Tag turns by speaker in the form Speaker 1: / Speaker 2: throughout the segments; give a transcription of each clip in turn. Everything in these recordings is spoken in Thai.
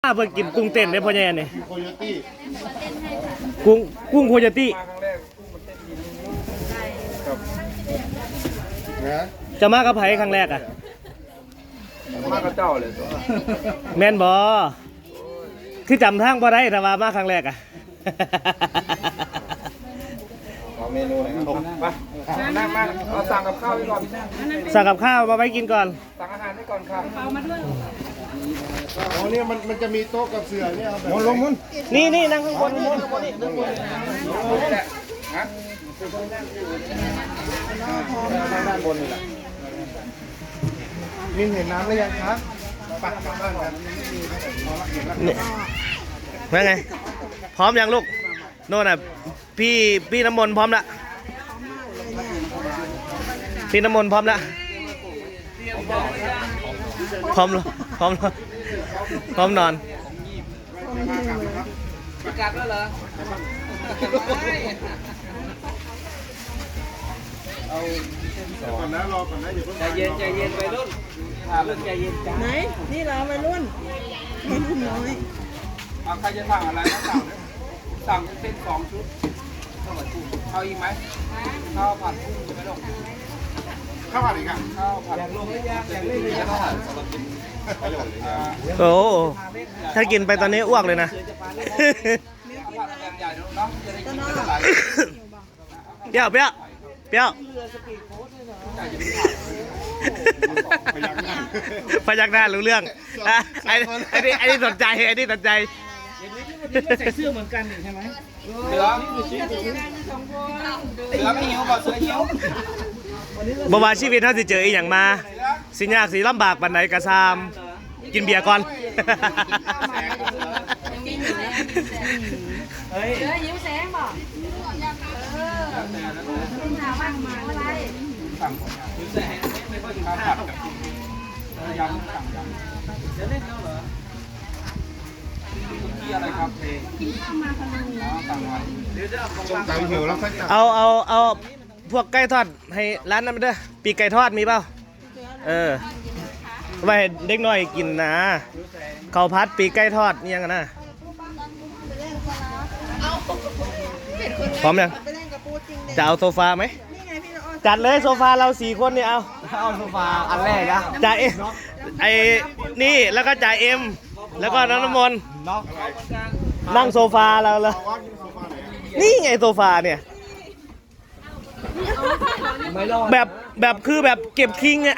Speaker 1: เพิ่งกินกุ้งเต้นได้พ่อแย่เนี่ย
Speaker 2: โคโยตี้
Speaker 1: กุ้งโคโยตี้
Speaker 2: นะ
Speaker 1: จะมากับไผครั้งแรกอ่ะ
Speaker 3: มากับเจ้าเลยตัว
Speaker 1: แม่นบ่คือจำทางบ่ได้แต่ว่ามาครั้งแรกอ่ะ
Speaker 3: ขอเมนูหน่อยครับไปนั่งมาเราสั่งกับข้าวไว้ก่อน
Speaker 1: สั่งกับข้าวมาไว้กินก่อน
Speaker 3: สั่งอาหารไว้ก่อนครับเอามาด้วย
Speaker 2: อ๋อเนี่ยมันจะมีโต๊ะกับเสือเนี่ยเอาแบบ
Speaker 3: ลงมุน
Speaker 1: นี่นั่งข้างบน
Speaker 3: นี่แหละฮะด้านบนนี่แหละ
Speaker 2: นี่เห็นน้ำหรือยังครับปักกลับบ้านกัน
Speaker 1: นี่ว่าไงพร้อมยังลูกโน่นน่ะพี่น้ำมนต์พร้อมละพี่น้ำมนต์พร้อมละพร้อมนอน
Speaker 3: ประกาศแล้วเหรอ
Speaker 2: ก่อนนะรอก่อนนะอย่าเพิ่ง
Speaker 3: ใจเย็นไปรุ่นใจเย็นจ้า
Speaker 4: ไหนนี่เราไปรุ่นน้อย
Speaker 3: ใครจะสั่งอะไรก็สั่งเป็น2 ชุดเอาอีกไหมข้าวผัดกุ้งจะไม่ลง
Speaker 2: ข้าวผัดอีกอ่ะ
Speaker 3: ข้าวผัดอยากลงหรือยังอยากเล่นหรือยังข้าวผัดสำหรับกิน
Speaker 1: โอ้ถ้ากินไปตอนนี้อ้วกเลยนะเปรี้ยวพยักหน้ารู้เรื่องไอ้นี่สนใจ
Speaker 3: ใส่เสื้อเหมือนกันใช่ไหมเสือไม่หิวป่ะเสือหิว
Speaker 1: บ่ว่าชีวิตถ้าสิเจออีหยังมาสิยากสิลำบากปานใดกะซามกินเบียร์ก่อน
Speaker 5: เฮ้ยยิ้มแสงบอกถามว่ามาอะไร
Speaker 3: ยิ้มแสงไม่ค่อยกินข้าวผัดกับยำสั่งยำจะเล่นแล้วเหรอที่อะไรครับเพลงสั่งไว้เดี๋ยวจะ
Speaker 2: สั่งหิวแล้วค่อยสั่ง
Speaker 1: เอาพวกไก่ทอดให้ร้านนั้นมาเด้อปีกไก่ทอดมีเปล่าไว้เด็กน้อยกินนะข้าวผัดปีกไก่ทอดนี่ยังกันนะพร้อมยังจะเอาโซฟาไหมจัดเลยโซฟาเรา4 คนนี่เอา
Speaker 3: โซฟาอันแรกนะ
Speaker 1: จ่าเอ็มนี่แล้วก็จ่าเอ็มแล้วก็น้ำมนต์นั่งโซฟาเราเลยนี่ไงโซฟาเนี่ยแบบคือแบบเก็บคิงอ่ะ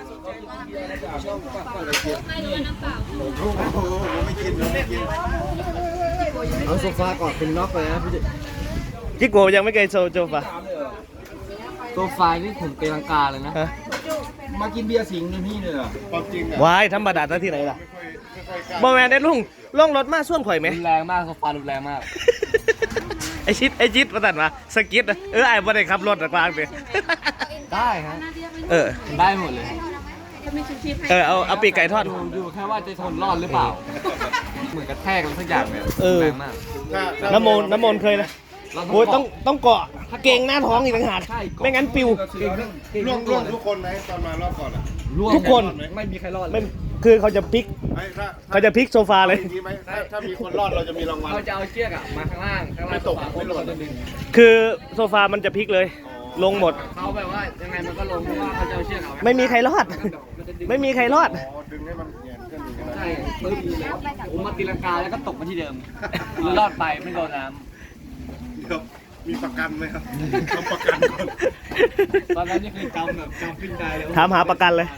Speaker 3: เอาโซฟาก่อนเป็นน็อกเลยนะพี่
Speaker 1: จิโกยังไม่เคยโซฟา
Speaker 3: โซฟานี่ผมตีลังกาเลยนะมากินเบียร์สิงห์นี่พี่เนี่ย
Speaker 2: ความจริงอ่ะ
Speaker 1: วายธรรมดาที่ไหนล่ะบอแมนได้ลุงล่องรถมาส่วนข่อยไหม
Speaker 3: รุนแรงมากโซฟารุนแรงมาก
Speaker 1: ไอชิดมาตัดมาสกิดไอ้บ่ได้ขับรถกลางเลย
Speaker 3: ได้ฮะได้หมดเลย
Speaker 1: เอาปีกไก่ทอด
Speaker 3: ดูแค่ว่าจะทนรอดหรือเปล่าเหมือนกระแทกอะไรสักอย่างเนี่ยแรงมาก
Speaker 1: น้ำมนต์เคยนะโอ้ยต้องเกาะเก่งหน้าท้องอีกต่างหากไม่งั้นปิว
Speaker 2: ร่วงทุกคนไหมตอนมารอบก่อนอ่ะ
Speaker 1: ทุกคน
Speaker 3: ไม่มีใครรอด
Speaker 1: ไม่คือเขาจะพลิกโซฟาเลย
Speaker 2: ถ้ามีคนรอดเราจะมีรางวัล
Speaker 3: เขาจะเอาเชือกมาข้างล่าง
Speaker 2: ไม่ตกไม่หล่น
Speaker 1: คือโซฟามันจะพลิกเลยลงหมด
Speaker 3: เขาแบบว่ายังไงมันก็ลงเพราะว่าเขาจะเอาเชือกเอา
Speaker 1: ไม่มีใครรอดดึงให้มัน
Speaker 2: ดึงให้มันเงียบขึ้น
Speaker 3: ใช่ปึ๊บผมมาตีลังกาแล้วก็ตกมาที่เดิมรอดไปไม่โดนน้
Speaker 2: ำเดี๋ยวมีประกันไหมครับทำประกันก่อน
Speaker 3: ตอนนั้นนี่คือจำปิ้งได้เลย
Speaker 1: ถามหาประกันเลย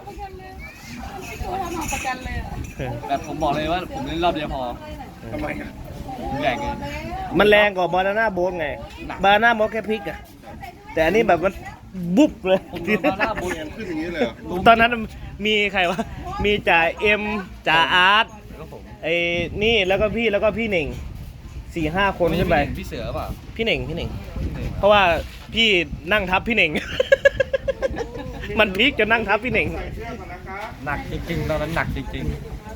Speaker 3: แบบผมบอกเลยว่าผมเล่นรอบเดียวพอ
Speaker 2: ทำไมอ่ะ
Speaker 3: ใหญ่เกิน
Speaker 1: มันแรงกว่าบานาน่าโบ๊ทไงบานาน่าโบ๊ทแค่พลิกอะแต่อันนี้แบบมันบุ๊บเลย
Speaker 3: บานาน่าโบ๊ท
Speaker 2: ขึ้นอย่างนี้เลย
Speaker 1: ตอนนั้นมีใครวะมีจ่าเอ็มจ่าอาร์ตไอ้นี่แล้วก็พี่เหน่ง4-5 คนขึ้นไป
Speaker 3: พี่เสือป่ะ
Speaker 1: พี่เหน่งเพราะว่าพี่นั่งทับพี่เหน่งมันพลิกจนนั่งทับพี่เหน่ง
Speaker 3: หนักจริงๆตอนนั้นหนักจริง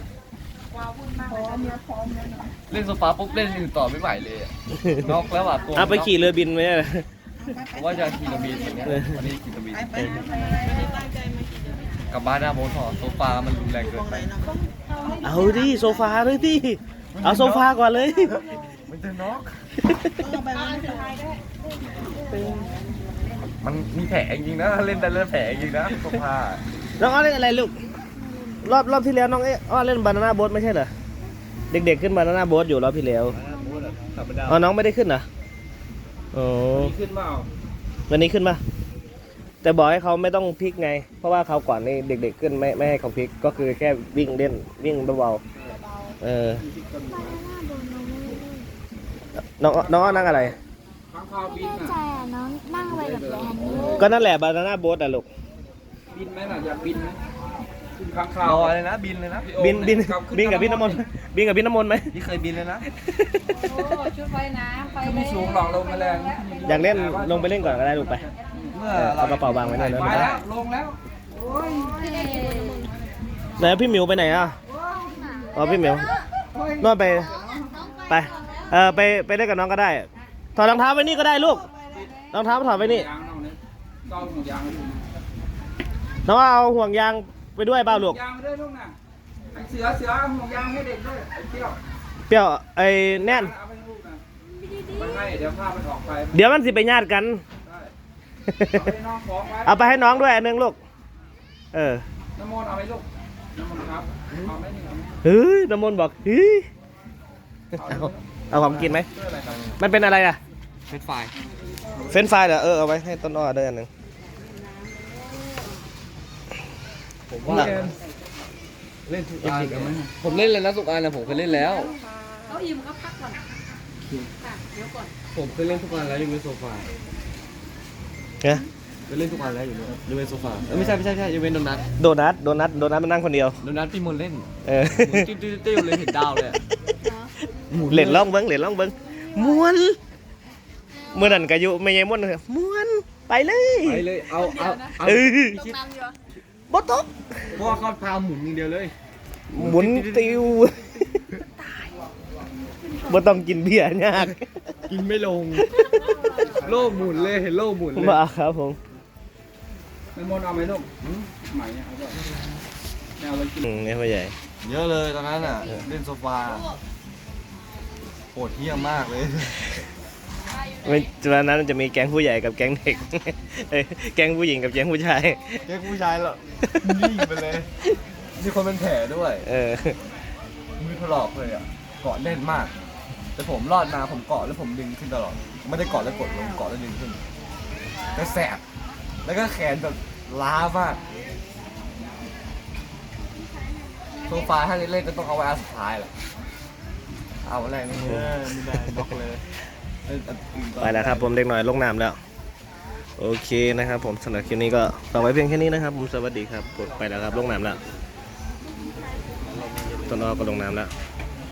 Speaker 3: ๆเล่นโซฟาปุ๊บเล่นอื่นต่อไม่ไหวเลยน็อกแล้วอ่ะ
Speaker 1: ตัวไปขี่เรือบินไหม
Speaker 3: ว่าจะขี่เรือบินอย่างเงี้ยวันนี้ขี่เรือบินกับบ้านหน้าโบสถ์โซฟามันรุนแรงเกินไป
Speaker 1: เอาดิโซฟาเลยดิเอาโซฟาก่อนเลย
Speaker 2: มันจะน็อก
Speaker 4: เอาไปมันไม่เป็นไร
Speaker 2: มันมีแผลจริงๆนะเล่นแต่เล่นแผลจริงนะโซฟา
Speaker 1: น้องอ้อเล่นอะไรลูกรอบที่แล้วน้องอ้อเล่นบานาน่าโบ๊ทไม่ใช่เหรอเด็กๆขึ้นบานาน่าโบ๊ทอยู่รอบที่แล้วอ๋อน้องไม่ได้ขึ้นเหรอโอ้
Speaker 3: มีขึ้นเปล่า
Speaker 1: วันนี้ขึ้นปะแต่บอกให้เขาไม่ต้องพลิกไง เพราะว่าเขาวก่อนนี่เด็กๆขึ้นไม่ให้เขาพลิกก็คือแค่วิ่งเล่นวิ่งเบาๆน้องอ้อนั่งอะไร
Speaker 3: ข้างคาวบิน
Speaker 5: แน่ใจ
Speaker 3: อ่ะ
Speaker 5: อ่ะน้องนั่งไปกับแลนนี่
Speaker 1: ก็นั่นแหละบานาน่าโบ๊ทอะลูก
Speaker 3: บินไหมล่ะอยากบินไหมขึ้นข้างคาร ว
Speaker 2: อเลยนะบินเลยนะ
Speaker 1: บินกับพี่น้ำมนต์บินกับพี่น้ำมนต์ไหม
Speaker 2: นี่เคยบินเลยนะ
Speaker 5: โอ้ชุดว่ายน้ำไป
Speaker 3: ขึ้น
Speaker 5: เล
Speaker 3: ไม่
Speaker 5: ย
Speaker 3: สูงหรอกลงมาแรง
Speaker 1: อยากเล่นลงไปเล่นก่อนก็ได้ลูกไป
Speaker 2: เมื่อ
Speaker 1: เอากระเป๋าวางไว้หน่อยนะ
Speaker 3: ไปแล้วลงแล้วโอ้ย
Speaker 1: ไหนพี่หมิวไปไหนอ่ะอ๋อพี่หมิว นอนไปไปเล่นกับน้องก็ได้ถอดรองเท้าไว้นี่ก็ได้ลูกรองเท้าถอดไว้นี่
Speaker 3: ยางนอกนี้ก็เอาห่วงยางไว้ดู
Speaker 1: น้องเอาห่วงยางไปด้วยเปล่าลูก
Speaker 3: ยางไปด้วยลูกน่ะไอ้เสือเอาห่วงยางให้เด็กด้วยไอ้เที่ยว
Speaker 1: เปรี้ยวไอ้แน่น
Speaker 3: เอาไปให้ลูกนะไปให้เดี๋ยวภาพมันออกไป
Speaker 1: เดี๋ยวมันสิไปญาติกัน
Speaker 3: ได้เอาไปน้องของไว้
Speaker 1: เอาไปให้น้องด้วยอันหนึงลูกเออ
Speaker 3: น้ำมนต์เอาไหมลูกน้ำมนต์ครับเอาไหมนี่เอาไหม
Speaker 1: เฮ้ยน้ำมนต์บอกเฮ้ย
Speaker 3: เอาไหม
Speaker 1: เอาของกินไหม
Speaker 3: เพื่ออะไรครับ
Speaker 1: มันเป็นอะไรอ่ะ
Speaker 2: เป็นไฟ
Speaker 1: เฟรนช์ฟรายเหรอเอาไว้ให้ต้นอ้อด้วยอันหนึง
Speaker 2: ผมว่าเล่นทุกอันผมเล่นเลยนะทุกอันนะผมเคยเล่นแล้ว
Speaker 5: เขาอิ่มก็พักก่อนค่ะเดี๋ยวก่อน
Speaker 2: ผมเคยเล่นทุกอันแล้วอยู่บนโซฟา
Speaker 1: เนี่ย
Speaker 2: เคยเล่นทุกอันแล้วอยู่บนโซฟาไม่ใช่อยู่บนโดนัท
Speaker 1: โดนัทมันนั่งคนเดียว
Speaker 2: โดนัทพี่มนเล่น
Speaker 1: เออ
Speaker 2: หมุนติ้วเลยเห็นดาวเลย
Speaker 1: เหรียญล่องเบิ้งม้วนเมื่อนั้นกายุไม่ยังม้วนเลยม้วนไปเลย
Speaker 2: ไปเลยเอา
Speaker 1: เออ
Speaker 5: ตกน้ำอยู่
Speaker 1: บอตก
Speaker 2: เพราะว่าเขาพาหมุนอย่างเดียวเลย
Speaker 1: หมุนติวบ่ต้องกินเบียร์ยาก
Speaker 2: กินไม่ลง โลกหมุนเลยเห็นโลกหมุนเลย
Speaker 1: มาครับผม
Speaker 3: น้ำมนต์เอาไหมลูกใหม่เนี่ยเอาด้วยแนวเรากิน
Speaker 1: เนี่ยพ่อใหญ่
Speaker 2: เยอะเลยตอนนั้นอ่ะเล่นโซฟาโหดเหี้ยมมากเลย
Speaker 1: ไม่วันนั้นจะมีแก๊งผู้ใหญ่กับแก๊งเด็กเอ้ยแก๊งผู้หญิงกับแก๊งผู้ชาย
Speaker 2: แกผู้ชายเหรอนิ่งไปเลยมีคนเป็นแผลด้วย
Speaker 1: เออ
Speaker 2: มือถลอกเลยอ่ะเกาะแน่นมาก แต่ผมรอดมาผมเกาะแล้วผมดึงขึ้นตลอดไม่ได้เกาะแล้วกดลงเกาะแล้วดึงขึ้นก็แสบแล้วก็แขนแบบล้ามากโซฟาถ้าเล่นก็ต้องเอาไว้อันสุดท้ายแหละเอาอะไรไม่ได้บล็อกเลย
Speaker 1: ไปแล้วครับผมเด็กหน่อยลงน้ำแล้ว โอเคนะครับผมสำหรับคลิปนี้ก็ฝากไว้เพียงแค่นี้นะครับผมสวัสดีครับกดไปแล้วครับลงน้ำแล้วต้นอ้อก็ลงน้ำแล้ว